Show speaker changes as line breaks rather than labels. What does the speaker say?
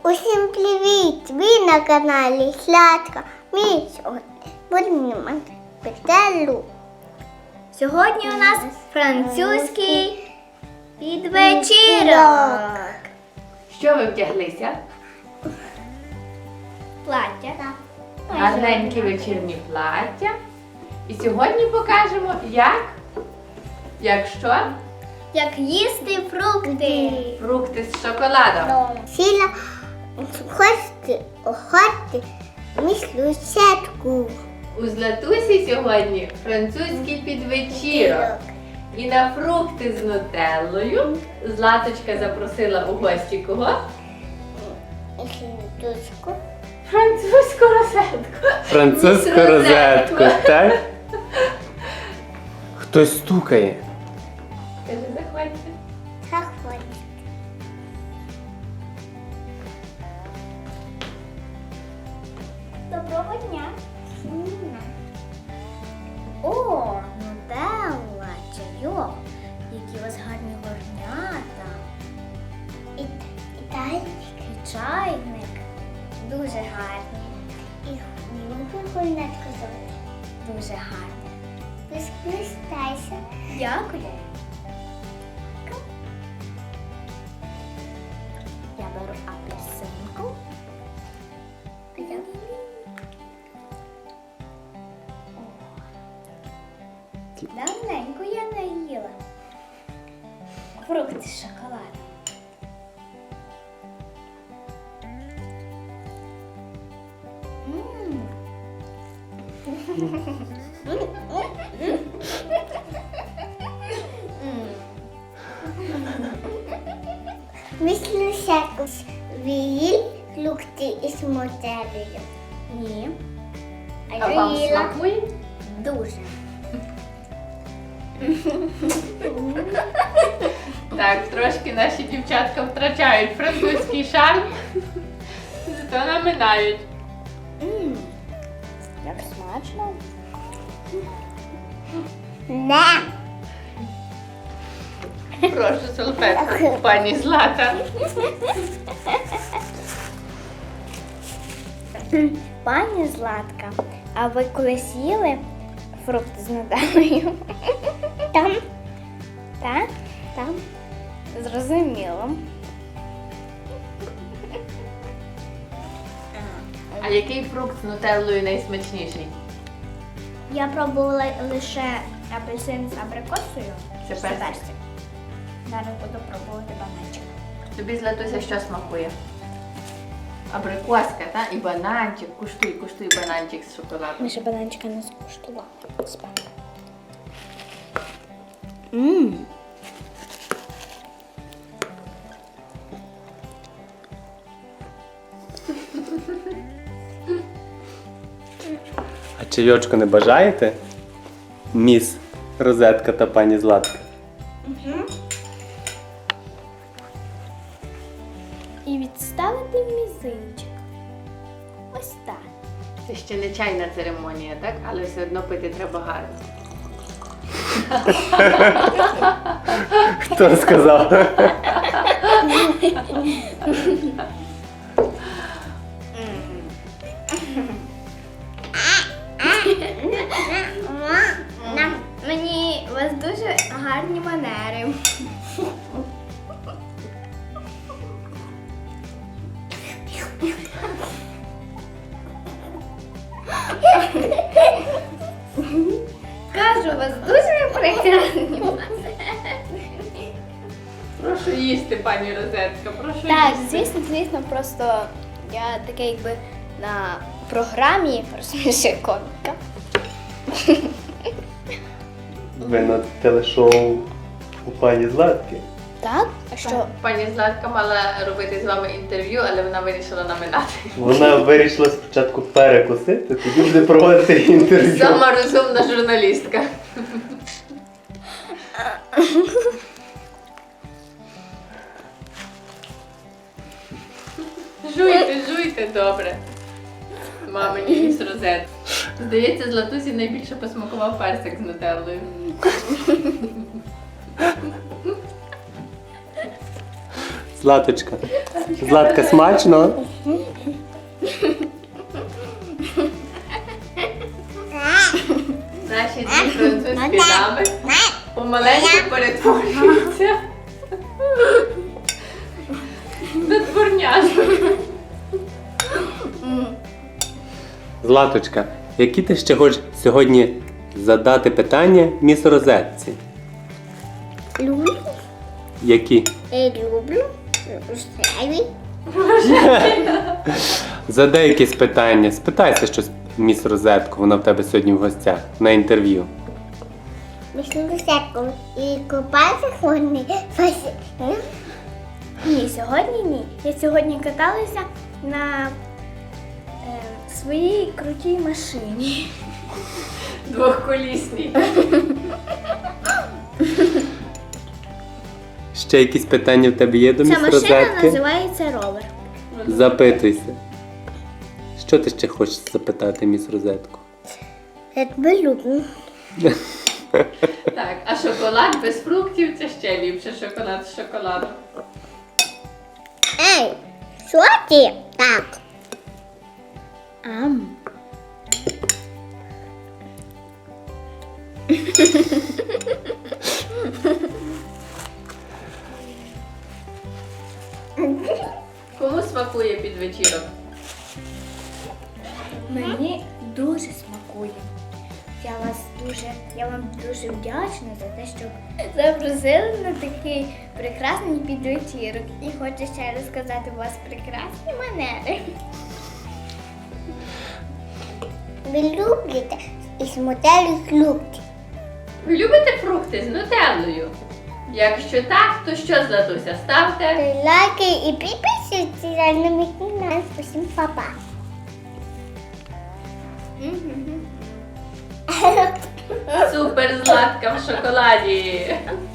Усім привіт! Ви на каналі Сладка. Ми сьогодні будемо знімати петелю.
Сьогодні у нас французький підвечірок.
Що ви вдяглися?
Плаття.
Гарненькі вечірні плаття. І сьогодні покажемо, як що?
Як їсти фрукти.
Фрукти з шоколадом.
Сіла охоти мислю сетку.
У Златусі сьогодні французький підвечірок. І на фрукти з нутеллою Златочка запросила у гості кого?
Слідочку.
Французьку розетку.
Французьку розетку, так? Хтось стукає.
Каже, заходьте.
Заходь.
Доброго дня. О, нутелла, чайок. Які у вас гарні горнята.
І далі.
І чайник. Дуже гарний.
І любу гульнетку зовут.
Дуже гарний.
Розкристайся.
Дякую. Я беру апельсинку. Давненько я не їла. Фрукти з шоколадом.
Мислю сетку. Віїл фрукти із мотелею.
Ні.
А вам
Їла.
смакує?
Дуже.
Так, трошки наші дівчатка втрачають французький шарм, зато наминають.
Як смачно.
Не.
Прошу салфетку, пані Злата.
Пані Златка, а ви колись їли фрукти з нутеллою?
Там.
Так?
Там.
Зрозуміло.
А який фрукт з нутеллою найсмачніший?
Я пробувала лише апельсин з абрикосою.
Це
З
персик.
персик. Зараз буду пробувати бананчик.
Тобі, Златуся, що смакує? Абрикоска, та? І бананчик. Куштуй бананчик з шоколадом.
Ми ще бананчика не скуштували.
А чайочку не бажаєте? Міс Розетка та пані Златка.
І відставити мізинчик. Ось так.
Це ще не чайна церемонія, так? Але все одно пити треба гарно.
Хто сказав?
Мені у вас дуже гарні манери. Кажу, у вас дуже прекрасні манери.
Прошу їсти, пані Розетка, прошу
Так,
їсти.
звісно, просто я таке якби на програмі розумієш, коміка.
Ви на телешоу у пані Златки.
Так? А що?
Пані Златка мала робити з вами інтерв'ю, але вона вирішила наминати.
Вона вирішила спочатку перекусити, тоді буде проводити інтерв'ю.
Сама розумна журналістка. Жуйте, добре. Мамині із розет. Здається, Златусі найбільше посмакував персик з нутеллою.
Златочка. Златка, смачно?
Наші дві французькі дами помаленьку перетворюються на дворняжок.
Златочка, які ти ще хочеш сьогодні задати питання міс Розетці?
Люблю.
Які?
Люблю. Рожевий.
Задай якісь питання. Спитайся щось міс Розетку, вона в тебе сьогодні в гостях на інтерв'ю.
Пішли до сетку і купатися вони.
Ні, сьогодні ні. Я сьогодні каталася на своїй крутій машині.
Двохколісні.
Ще якісь питання в тебе є до міс
Ця машина
Розетки?
називається ровер.
Запитуйся. Що ти ще хочеш запитати міс Розетку?
Я тебе люблю.
Так, а шоколад без фруктів це ще ліпше. Шоколад з шоколадом.
Ей, що ти? Так.
Ам.
Кому смакує під вечірок?
Мені дуже смакує. Я вам дуже вдячна за те, що запросили на такий прекрасний підвечірок. І хочу ще раз сказати, у вас прекрасні манери.
Ви любите і смотрели фрукти.
Ви любите фрукти з нутеллою? Якщо так, то що, Златуся, ставте?
Лайки і підписуйтесь на мій канал. Усім папа.
Супер, Златка в шоколаді!